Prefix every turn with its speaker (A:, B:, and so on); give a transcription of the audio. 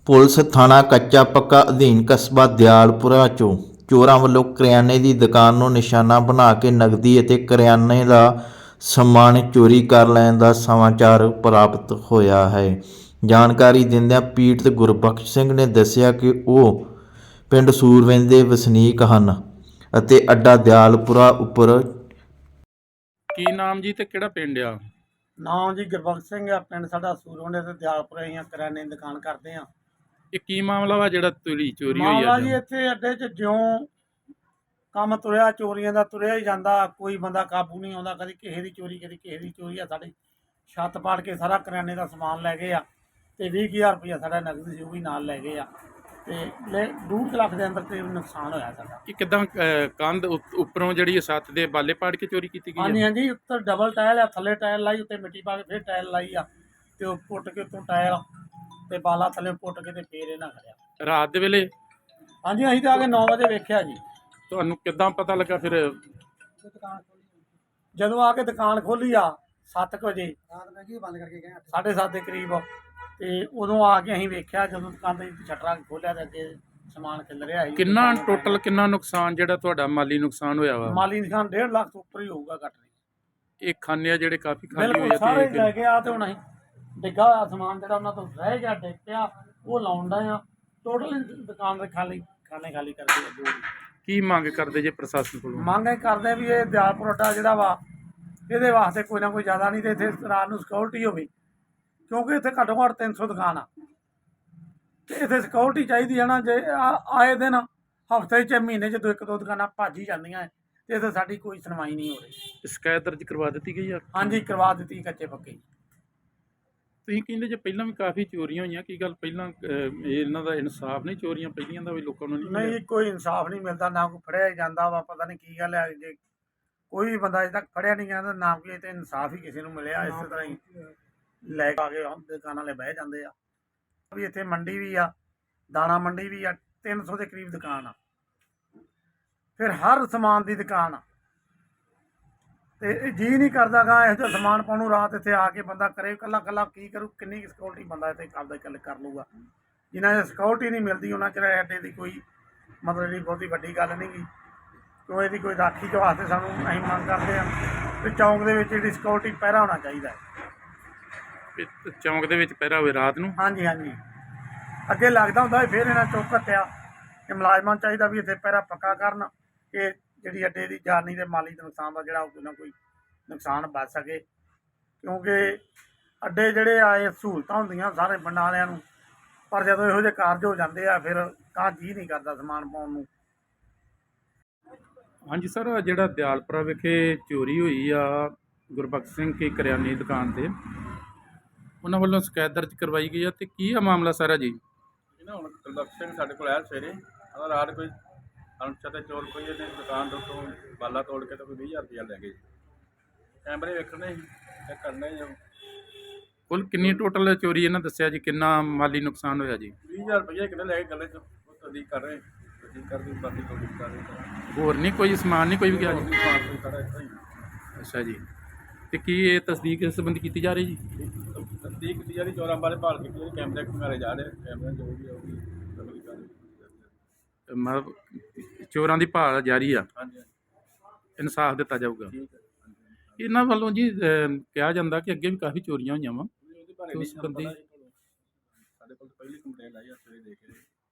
A: Police ਥਾਣਾ ਕੱਚਾ ਪੱਕਾ ਅਧੀਨ ਕਸਬਾ ਦਿਆਲਪੁਰਾ 'ਚੋਂ ਚੋਰਾਂ ਵੱਲੋਂ ਕਰਿਆਨੇ ਦੀ ਦੁਕਾਨ ਨੂੰ ਨਿਸ਼ਾਨਾ ਬਣਾ ਕੇ ਨਕਦੀ ਅਤੇ ਕਰਿਆਨੇ ਦਾ ਸਮਾਨ ਚੋਰੀ ਕਰ ਲੈਣ ਦਾ ਸਮਾਚਾਰ ਪ੍ਰਾਪਤ ਹੋਇਆ ਹੈ। ਜਾਣਕਾਰੀ ਦਿੰਦਿਆਂ ਪੀੜਤ ਗੁਰਬਖਸ਼ ਸਿੰਘ ਨੇ ਦੱਸਿਆ ਕਿ ਉਹ ਪਿੰਡ ਸੂਰਵਿੰਦ ਦੇ ਵਸਨੀਕ ਹਨ ਅਤੇ ਅੱਡਾ ਦਿਆਲਪੁਰਾ ਉੱਪਰ।
B: ਕੀ ਨਾਮ ਜੀ ਤੇ ਕਿਹੜਾ ਪਿੰਡ ਆ?
C: ਨਾਮ ਜੀ ਗੁਰਬਖਸ਼ ਸਿੰਘ ਆ। ਪਿੰਡ ਸਾਡਾ ਸੂਰਵਿੰਦ ਤੇ ਦਿਆਲਪੁਰੇ ਹੀ ਆ। ਕਰਿਆਨੇ ਦੀ ਦੁਕਾਨ ਕਰਦੇ ਆ।
B: ਇਹ ਕੀ ਮਾਮਲਾ ਵਾ ਜਿਹੜਾ ਚੋਰੀ ਹੋਈ
C: ਮਾਮਲਾ
B: ਅੱਜ?
C: ਜੀ ਇੱਥੇ ਅੱਡੇ 'ਚ ਜਿਉਂ ਕੰਮ ਤੁਰਿਆ, ਚੋਰੀਆਂ ਦਾ ਤੁਰਿਆ ਹੀ ਜਾਂਦਾ, ਕੋਈ ਬੰਦਾ ਕਾਬੂ ਨਹੀਂ ਆਉਂਦਾ। ਕਦੀ ਕਿਸੇ ਦੀ ਚੋਰੀ, ਕਦੀ ਕਿਸੇ ਦੀ ਚੋਰੀ ਆ। ਸਾਡੀ ਛੱਤ ਪਾੜ ਕੇ ਸਾਰਾ ਕਰਿਆਨੇ ਦਾ ਸਮਾਨ ਲੈ ਗਏ ਆ ਤੇ 20,000 ਰੁਪਇਆ ਸਾਡਾ ਨਕਦ ਸੀ ਉਹ ਵੀ ਨਾਲ ਲੈ ਗਏ ਆ ਤੇ 2 ਲੱਖ ਦੇ ਅੰਦਰ ਤੇ ਨੁਕਸਾਨ ਹੋਇਆ ਸਾਡਾ।
B: ਇਹ ਕਿਦਾਂ ਕੰਧ ਉੱਪਰੋਂ ਜਿਹੜੀ ਛੱਤ ਦੇ ਬਾਲੇ ਪਾੜ ਕੇ ਚੋਰੀ ਕੀਤੀ ਗਈ
C: ਹਾਂਜੀ
B: ਹੈ?
C: ਹਾਂਜੀ, ਉੱਤਰ ਡਬਲ ਟਾਇਲ ਆ, ਥੱਲੇ ਟਾਇਲ ਲਾਈ, ਉੱਤੇ ਮਿੱਟੀ ਪਾ ਕੇ ਫਿਰ ਟਾਇਲ ਲਾਈ ਆ ਤੇ ਉਹ ਪੁੱਟ ਕੇ ਉੱਤੋਂ ਟਾਇਲ ਤੇ ਬਾਲਾ ਥੱਲੇ ਪੁੱਟ ਕੇ ਤੇ ਫੇਰ ਇਹਨਾਂ ਖੜਿਆ।
B: ਰਾਤ ਦੇ ਵੇਲੇ?
C: ਹਾਂਜੀ, ਅਸੀਂ ਤਾਂ ਆ ਕੇ 9 ਵਜੇ ਵੇਖਿਆ ਜੀ।
B: ਤੁਹਾਨੂੰ ਕਿਦਾਂ ਪਤਾ ਲੱਗਾ ਫਿਰ?
C: ਜਦੋਂ ਆ ਕੇ ਦੁਕਾਨ ਖੋਲੀ ਆ 7 ਵਜੇ, ਰਾਤ ਮੈਂ ਕੀ ਬੰਦ ਕਰਕੇ ਗਿਆ 7:30 ਦੇ ਕਰੀਬ, ਤੇ ਉਦੋਂ ਆ ਕੇ ਅਸੀਂ ਵੇਖਿਆ ਜਦੋਂ ਦੁਕਾਨ ਦੇ ਸ਼ਟਰਾਂ ਖੋਲਿਆ ਤੇ ਅੱਗੇ ਸਮਾਨ ਖਿਲ ਰਿਹਾ ਸੀ।
B: ਕਿੰਨਾ ਟੋਟਲ ਕਿੰਨਾ ਨੁਕਸਾਨ ਜਿਹੜਾ ਤੁਹਾਡਾ ਮਾਲੀ ਨੁਕਸਾਨ ਹੋਇਆ ਵਾ?
C: ਮਾਲੀ ਨੁਕਸਾਨ 1.5 ਲੱਖ ਤੋਂ ਉੱਪਰ ਹੀ ਹੋਊਗਾ ਘੱਟ ਨਹੀਂ।
B: ਇਹ ਖਾਨੇ ਆ ਜਿਹੜੇ ਕਾਫੀ ਖਾਲੀ
C: ਬਿਲਕੁਲ
B: ਹੋਏ
C: ਸਾਰੇ
B: ਤੇ
C: ਲੈ ਗਿਆ ਤੇ ਹੁਣ ਅਸੀਂ ਡਿੱਗਾ ਹੋਇਆ ਸਮਾਨ ਜਿਹੜਾ ਉਹਨਾਂ ਤੋਂ ਰਹਿ ਗਿਆ ਡਿੱਗ ਪਿਆ ਉਹ ਲਾਉਣ ਦਾ ਆ। ਟੋਟਲ ਦੁਕਾਨ ਦੇ ਖਾਣੇ ਖਾਲੀ ਕਰਦੇ ਆ ਜੋ ਵੀ।
B: ਕੀ ਮੰਗ ਕਰਦੇ ਜੇ ਪ੍ਰਸ਼ਾਸਨ ਕੋਲੋਂ?
C: ਮੰਗ ਇਹ ਕਰਦੇ ਵੀ ਇਹ ਦਿਆਲਪੁਰ ਅੱਡਾ ਜਿਹੜਾ ਵਾ ਇਹਦੇ ਵਾਸਤੇ ਕੋਈ ਨਾ ਕੋਈ ਜ਼ਿਆਦਾ ਨਹੀਂ ਤੇ ਇੱਥੇ ਰਾਤ ਨੂੰ ਸਿਕਿਉਰਿਟੀ ਹੋਵੇ, ਕਿਉਂਕਿ ਇੱਥੇ ਘੱਟੋ ਘੱਟ 300 ਦੁਕਾਨ ਆ ਤੇ ਇੱਥੇ ਸਿਕਿਉਰਿਟੀ ਚਾਹੀਦੀ ਹੈ ਨਾ। ਜੇ ਆਏ ਦਿਨ ਹਫ਼ਤੇ 'ਚ ਮਹੀਨੇ 'ਚ 1-2 ਦੁਕਾਨਾਂ ਭੱਜ ਹੀ ਜਾਂਦੀਆਂ ਹੈ ਤੇ ਇੱਥੇ ਸਾਡੀ ਕੋਈ ਸੁਣਵਾਈ ਨਹੀਂ ਹੋ ਰਹੀ।
B: ਸ਼ਿਕਾਇਤ ਦਰਜ ਕਰਵਾ ਦਿੱਤੀ ਗਈ ਆ?
C: ਹਾਂਜੀ, ਕਰਵਾ ਦਿੱਤੀ ਕੱਚੇ ਪੱਕੇ।
B: ਤੁਸੀਂ ਕਹਿੰਦੇ ਜੇ ਪਹਿਲਾਂ ਵੀ ਕਾਫੀ ਚੋਰੀਆਂ ਹੋਈਆਂ, ਕੀ ਗੱਲ ਪਹਿਲਾਂ ਇਹਨਾਂ ਦਾ ਇਨਸਾਫ ਨਹੀਂ? ਚੋਰੀਆਂ ਪਹਿਲੀਆਂ ਦਾ ਵੀ ਲੋਕਾਂ ਨੂੰ ਨਹੀਂ
C: ਨਹੀਂ, ਕੋਈ ਇਨਸਾਫ ਨਹੀਂ ਮਿਲਦਾ, ਨਾ ਕੋਈ ਫੜਿਆ ਜਾਂਦਾ ਵਾ। ਪਤਾ ਨਹੀਂ ਕੀ ਗੱਲ ਹੈ, ਜੇ ਕੋਈ ਵੀ ਬੰਦਾ ਅਜੇ ਤੱਕ ਫੜਿਆ ਨਹੀਂ ਜਾਂਦਾ ਨਾ ਕੋਈ ਤੇ ਇਨਸਾਫ ਹੀ ਕਿਸੇ ਨੂੰ ਮਿਲਿਆ। ਇਸੇ ਤਰ੍ਹਾਂ ਹੀ ਲੈ ਕੇ ਆ ਕੇ ਦੁਕਾਨਾਂ ਵਾਲੇ ਬਹਿ ਜਾਂਦੇ ਆ। ਵੀ ਇੱਥੇ ਮੰਡੀ ਵੀ ਆ, ਦਾਣਾ ਮੰਡੀ ਵੀ ਆ, 300 ਦੇ ਕਰੀਬ ਦੁਕਾਨ ਆ, ਫਿਰ ਹਰ ਸਮਾਨ ਦੀ ਦੁਕਾਨ ਆ ਤੇ ਇਹ ਜੀ ਨਹੀਂ ਕਰਦਾ ਗਾ ਇਹੋ ਜਿਹਾ ਸਮਾਨ ਪਾਉਣ ਨੂੰ। ਰਾਤ ਇੱਥੇ ਆ ਕੇ ਬੰਦਾ ਕਰੇ ਇਕੱਲਾ ਕੀ ਕਰੂ? ਕਿੰਨੀ ਸਿਕਿਉਰਿਟੀ ਬੰਦਾ ਇੱਥੇ ਕਰਦਾ ਗੱਲ ਕਰ ਲੂਗਾ? ਜਿਨ੍ਹਾਂ ਦੀ ਸਿਕਿਉਰਿਟੀ ਨਹੀਂ ਮਿਲਦੀ ਉਹਨਾਂ ਚਿਰ ਅੱਡੇ ਦੀ ਕੋਈ ਮਤਲਬ ਜਿਹੜੀ ਬਹੁਤੀ ਵੱਡੀ ਗੱਲ ਨਹੀਂ ਗੀ। ਕਿਉਂ ਇਹਦੀ ਕੋਈ ਰਾਖੀ ਦੇ ਵਾਸਤੇ ਸਾਨੂੰ ਅਸੀਂ ਮੰਗ ਕਰਦੇ ਹਾਂ ਕਿ ਚੌਂਕ ਦੇ ਵਿੱਚ ਜਿਹੜੀ ਸਿਕਿਉਰਿਟੀ ਪਹਿਰਾ ਹੋਣਾ ਚਾਹੀਦਾ ਹੈ।
B: ਚੌਂਕ ਦੇ ਵਿੱਚ ਪਹਿਰਾ ਹੋਵੇ ਰਾਤ ਨੂੰ?
C: ਹਾਂਜੀ ਹਾਂਜੀ, ਅੱਗੇ ਲੱਗਦਾ ਹੁੰਦਾ ਸੀ, ਫਿਰ ਇਹਨਾਂ ਚੁੱਕ ਘੱਟਿਆ ਕਿ ਮੁਲਾਜ਼ਮਾਂ ਚਾਹੀਦਾ ਵੀ ਇੱਥੇ ਪਹਿਰਾ ਪੱਕਾ ਕਰਨ ਕਿ ਜਿਹੜੀ ਅੱਡੇ ਦੀ ਜਾਨੀ ਤੇ ਮਾਲੀ ਦੇ ਨੁਕਸਾਨ ਦਾ ਜਿਹੜਾ ਕੋਈ ਨਾ ਕੋਈ ਨੁਕਸਾਨ ਬਚ ਸਕੇ। ਕਿਉਂਕਿ ਅੱਡੇ ਜਿਹੜੇ ਆ ਇਹ ਸਹੂਲਤਾਂ ਹੁੰਦੀਆਂ ਸਾਰੇ ਪਿੰਡਾਂ ਵਾਲਿਆਂ ਨੂੰ, ਪਰ ਜਦੋਂ ਇਹੋ ਜਿਹੇ ਕਾਰਜ ਹੋ ਜਾਂਦੇ ਆ ਫਿਰ ਤਾਂ ਜੀਅ ਨਹੀਂ ਕਰਦਾ ਸਮਾਨ ਪਾਉਣ ਨੂੰ।
B: ਹਾਂਜੀ ਸਰ, ਜਿਹੜਾ ਦਿਆਲਪੁਰਾ ਵਿਖੇ ਚੋਰੀ ਹੋਈ ਆ ਗੁਰਬਖਸ਼ ਸਿੰਘ ਕੀ ਕਰਿਆਨੇ ਦੀ ਦੁਕਾਨ ਤੇ, ਉਹਨਾਂ ਵੱਲੋਂ ਸ਼ਿਕਾਇਤ ਦਰਜ ਕਰਵਾਈ ਗਈ ਆ ਤੇ ਕੀ ਆ ਮਾਮਲਾ ਸਾਰਾ ਜੀ?
D: ਇਹ ਨਾ ਹੁਣ ਗੁਰਬਖਸ਼ ਸਿੰਘ ਸਾਡੇ ਕੋਲ ਆਇਆ ਸਵੇਰੇ, ਕਹਿੰਦਾ ਰਾਤ ਕੋਈ ਅਣਪਛਾਤੇ ਚੋਰ ਕੋਈ ਇਹਨੇ ਦੁਕਾਨ ਦੇ ਉੱਤੋਂ ਬਾਲਾ ਤੋੜ ਕੇ ਤਾਂ ਕੋਈ 20,000 ਰੁਪਇਆ ਲੈ ਗਏ। ਕੈਮਰੇ ਵੇਖਣੇ ਸੀ, ਚੈੱਕ ਕਰਨੇ ਸੀ।
B: ਕੁੱਲ ਕਿੰਨੀ ਟੋਟਲ ਚੋਰੀ ਇਹਨਾਂ ਦੱਸਿਆ ਜੀ? ਕਿੰਨਾ ਮਾਲੀ ਨੁਕਸਾਨ ਹੋਇਆ ਜੀ?
D: 20,000 ਰੁਪਇਆ ਕਿੰਨੇ ਲੈ ਕੇ ਗੱਲੇ 'ਚ ਉਹ ਤਸਦੀਕ ਕਰ ਰਹੇ, ਤਸਦੀਕ ਕਰਦੀ ਬਾਕੀ ਤਸਦੀਕ ਕਰ ਰਹੇ।
B: ਹੋਰ ਨਹੀਂ ਕੋਈ ਸਮਾਨ ਨਹੀਂ ਕੋਈ ਵੀ ਗਿਆ ਜੀ?
D: ਸਮਾਨ ਸਾਰਾ ਇੱਥੋਂ ਹੀ
B: ਅੱਛਾ ਜੀ, ਤੇ ਕੀ ਇਹ ਤਸਦੀਕ ਇਸ ਸੰਬੰਧੀ ਕੀਤੀ ਜਾ ਰਹੀ ਜੀ?
D: ਤਸਦੀਕ ਕੀਤੀ ਜਾ ਰਹੀ, ਚੋਰਾਂ ਬਾਰੇ ਭਾਲ ਕੀਤੀ ਜਾ ਰਹੀ, ਕੈਮਰੇ ਘੁਮਾਰੇ ਜਾ ਰਹੇ, ਕੈਮਰੇ ਜੋ ਵੀ ਆਉਗੀ ਤਸਦੀਕ ਕਰ ਰਹੀ।
B: ਮਤਲਬ ਚੋਰਾਂ ਦੀ ਭਾਲ ਜਾਰੀ ਆ,
D: ਹਾਂਜੀ
B: ਇਨਸਾਫ ਦਿੱਤਾ ਜਾਊਗਾ।
D: ਠੀਕ ਹੈ।
B: ਇਹਨਾਂ ਵੱਲੋਂ ਜੀ ਕਿਹਾ ਜਾਂਦਾ ਕਿ ਅੱਗੇ ਵੀ ਕਾਫੀ ਚੋਰੀਆਂ ਹੋਈਆਂ ਵਾ।
D: ਉਹਦੇ ਬਾਰੇ
B: ਉਸ
D: ਨਹੀਂ ਸਾਨੂੰ
B: ਬੰਦੇ
D: ਪਤਾ ਜੀ। ਸਾਡੇ ਕੋਲ ਤਾਂ ਪਹਿਲੀ ਕੰਪਲੇਂਟ ਆਈ ਆ, ਸਵੇਰੇ ਦੇਖ ਰਹੇ।